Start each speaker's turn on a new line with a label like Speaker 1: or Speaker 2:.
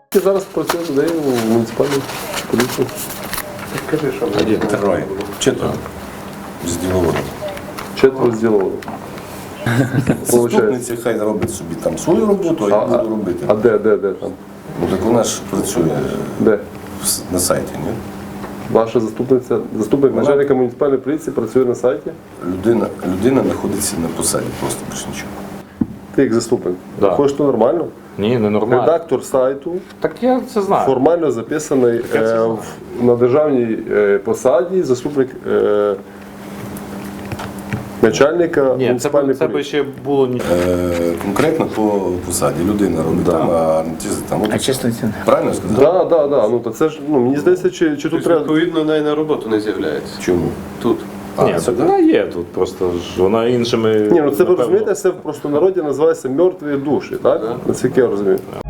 Speaker 1: Я зараз працюю людей у муніципальній поліції.
Speaker 2: Скажи, що
Speaker 3: Один, троє. Четверо. З діловодом.
Speaker 1: Четверо зділовано.
Speaker 3: Заступниці хай робить собі там свою роботу, а я буду робити.
Speaker 1: А де там?
Speaker 3: Ну так вона ж працює
Speaker 1: Де?
Speaker 3: на сайті, ні?
Speaker 1: Ваша заступник начальника муніципальної поліції працює на сайті?
Speaker 3: Людина знаходиться на посаді, просто більше нічого.
Speaker 1: Ти як заступник?
Speaker 4: Да.
Speaker 1: Хочеш, то нормально?
Speaker 4: Ні, не нормально.
Speaker 1: Редактор сайту
Speaker 4: Так я це знаю.
Speaker 1: формально записаний на державній посаді, заступник начальника
Speaker 4: Ні,
Speaker 1: муніципальної
Speaker 4: це би
Speaker 1: поліції.
Speaker 4: ще було ні.
Speaker 3: Конкретно по посаді. Людина робить там, а не ті там.
Speaker 5: А чесно, це не.
Speaker 3: Правильно я сказав?
Speaker 1: Да. Ну, то це ж, мені здається, чи тут
Speaker 2: Тобто,
Speaker 1: треба...
Speaker 2: відповідно, навіть на роботу не з'являється.
Speaker 3: Чому?
Speaker 2: Тут.
Speaker 4: Ні, так вона є тут, просто ж вона іншими.
Speaker 1: Ні, ну це ви
Speaker 4: напевно,
Speaker 1: розумієте, це в простонароді називається мертві душі, так? Наскільки я розумію.